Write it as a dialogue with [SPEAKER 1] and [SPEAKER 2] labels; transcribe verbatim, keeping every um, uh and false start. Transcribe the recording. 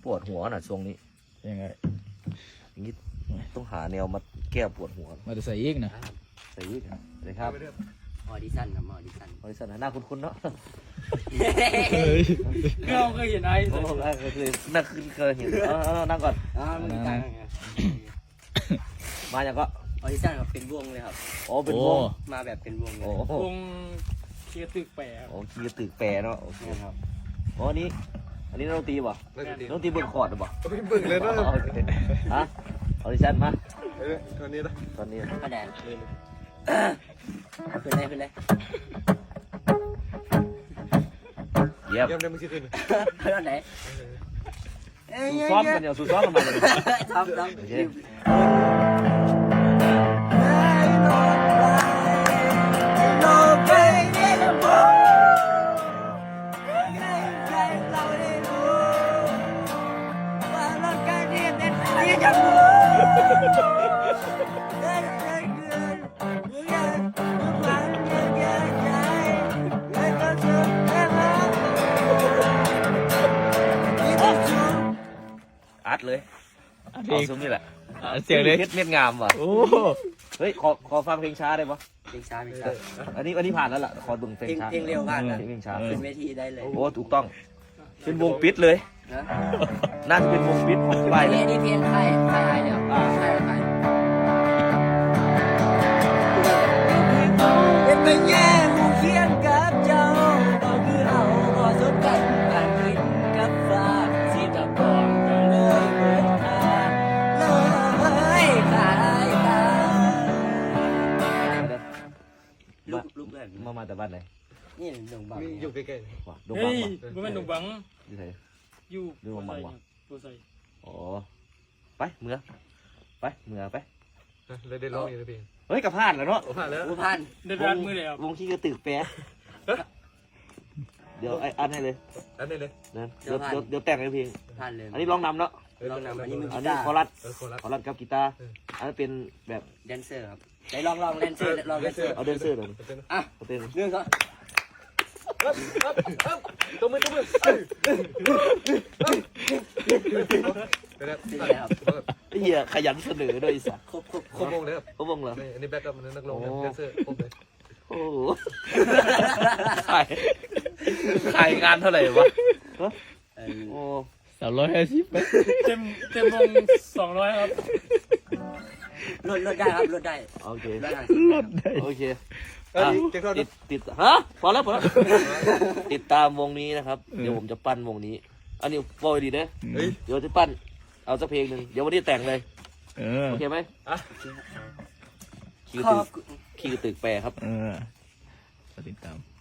[SPEAKER 1] ปวดหัวน่ะช่วงนี้
[SPEAKER 2] ยังไง
[SPEAKER 1] อย่างนี้ต้องหาแนวมาแก้ปวดหัว
[SPEAKER 2] มาจะใส่อีกนะ
[SPEAKER 1] ใส่อีกเลยครับ
[SPEAKER 3] ออดิชั่นครับออดิชั่น
[SPEAKER 1] ออดิชั่นหน้าคุ้นๆเนาะ
[SPEAKER 3] เราเคยเห็นไอ้
[SPEAKER 1] โอ้เคยนั่งขึ้นเคยเห็นเออนั่งก่อน
[SPEAKER 3] อ่ามันต่าง
[SPEAKER 1] มาอย่างก็
[SPEAKER 3] ออดิชั่นครับเป็นวงเลยครับ
[SPEAKER 1] โอ้เป็นวง
[SPEAKER 3] มาแบบเป็นวงเลยว
[SPEAKER 4] งเคียตึกแปร
[SPEAKER 1] โอ้คีตึกแปรเนาะโอเค
[SPEAKER 3] ครับ
[SPEAKER 1] อ๋อนี้อันนี้น้องตีป่ะน้องตีเบิ่งคอร์ดป่ะ
[SPEAKER 5] ไม่เบิ่งเลยนะ
[SPEAKER 1] ฮะออดิชั่นมา
[SPEAKER 5] ตอนนี้นะ
[SPEAKER 1] ตอนนี้
[SPEAKER 3] คะแนนขึ้นเลยขึ้นเลย
[SPEAKER 1] เยี่ยม
[SPEAKER 5] เยี่ยมได้มึงชื่อขึ้น
[SPEAKER 3] ขึ้นตอนไหน
[SPEAKER 1] สู้ซ้อมกันเดี๋ยวสู้ซ้อมกันมาเลย
[SPEAKER 3] ซ้อมซ้อม
[SPEAKER 1] อัดเลยเอาซุ้มนี่แหละ
[SPEAKER 2] เสียงเลย
[SPEAKER 1] เม็ดเม็ดงามว่ะ
[SPEAKER 2] โอ้
[SPEAKER 1] เฮ้ยขอขอฟังเพลงช้าได้ปะ
[SPEAKER 3] เพลงช้าเพลงช้า
[SPEAKER 1] อันนี้อันนี้ผ่านแล้วล่ะขอดึงเพลงช้า
[SPEAKER 3] เพลงเร็วผ่านนะ
[SPEAKER 1] เพลงช้า
[SPEAKER 3] ขึ้นเวทีได้เลย
[SPEAKER 1] โอ้ถูกต้องเป็นวงปิดเลยน่าจะเป็นวงปิดไป
[SPEAKER 3] เลยนี่เพลงใครใครอะไรเนี่ยใครใครเป็นไปแย่ผู้เขียนกับเจ้าก็คือเอาพอสมกันการกินกับฟ้าสีตะกองก็เลยเปิดทางเลยขายตาลูกลูกแบบ
[SPEAKER 1] มามาแต่บ้านไหน
[SPEAKER 3] นี่หนุ่มบัง
[SPEAKER 5] อยู่ใกล้
[SPEAKER 1] ๆว่ะดง
[SPEAKER 4] เฮ้
[SPEAKER 1] บังว่ะ
[SPEAKER 4] ยมันเป็นหนุ่มบัง
[SPEAKER 1] อยู่ไหน
[SPEAKER 4] อยู่
[SPEAKER 1] ดงบังว่ะ
[SPEAKER 4] ตัวใส่
[SPEAKER 1] อ๋อไปเมือไปเมือไป
[SPEAKER 5] ๆเลยได้ร้องอยู่ในเพลง
[SPEAKER 1] เฮ้ยกระพานแล้วเนาะ
[SPEAKER 5] ผ่านแล้ว
[SPEAKER 3] พัน
[SPEAKER 4] เดินร้านมือเลยครับ
[SPEAKER 1] วงที่กระตึกแปะเดี๋ยวไอ้อันให้เลย
[SPEAKER 5] อันนี้เลย
[SPEAKER 1] เดี๋ยวเดี๋ยวเดี๋ยวแต่งให้เพลง
[SPEAKER 3] พันเลย
[SPEAKER 1] อันนี้ร้องนำเนาะ
[SPEAKER 3] ร้องนำอันนี้มือ
[SPEAKER 1] อั
[SPEAKER 3] กี
[SPEAKER 1] นนี้
[SPEAKER 3] ตาร์
[SPEAKER 1] คอรัส
[SPEAKER 5] ค
[SPEAKER 1] อรัสกับกีตาร์อันนี้เป็นแบบ
[SPEAKER 3] แดนเซอร์ครับไหนลองลองแดนเซอร์ลองแดนเซอร์
[SPEAKER 1] เอาแดนเซอร์เลย
[SPEAKER 3] อ่ะ
[SPEAKER 1] เต้น
[SPEAKER 3] เรื่องก็
[SPEAKER 5] ตัวมือตัวมือ
[SPEAKER 1] ไอ้เหี้ยขยันเสนอด้วยสัตว์
[SPEAKER 3] ครบครบ
[SPEAKER 5] ครบวงเลยครับ
[SPEAKER 1] ครบวงเหรอ
[SPEAKER 5] อันนี้แบ็คอัพนักร้องแดนเซอร์ครบเลย
[SPEAKER 1] โอ้ขายขายงานเท่าไหร่วะโอ้
[SPEAKER 2] สามร้อยห้าสิบ
[SPEAKER 4] เต็มเต็มวงสองร้อยครับ
[SPEAKER 3] ลดลดได้ครับลดได้
[SPEAKER 1] โอเค
[SPEAKER 2] ลดได้
[SPEAKER 1] โอเคติดติดฮะพอแล้วพอแล้วติดตามวงนี้นะครับเดี๋ยวผมจะปั้นวงนี้อันนี้โปรยดีนะเดี๋ยวจะปั้นเอาสักเพลงหนึ่งเดี๋ยววันนี้แต่งเลยโอเคไหมคีย์ตึกคีย์ตึกแปรครับ
[SPEAKER 2] เออติดตาม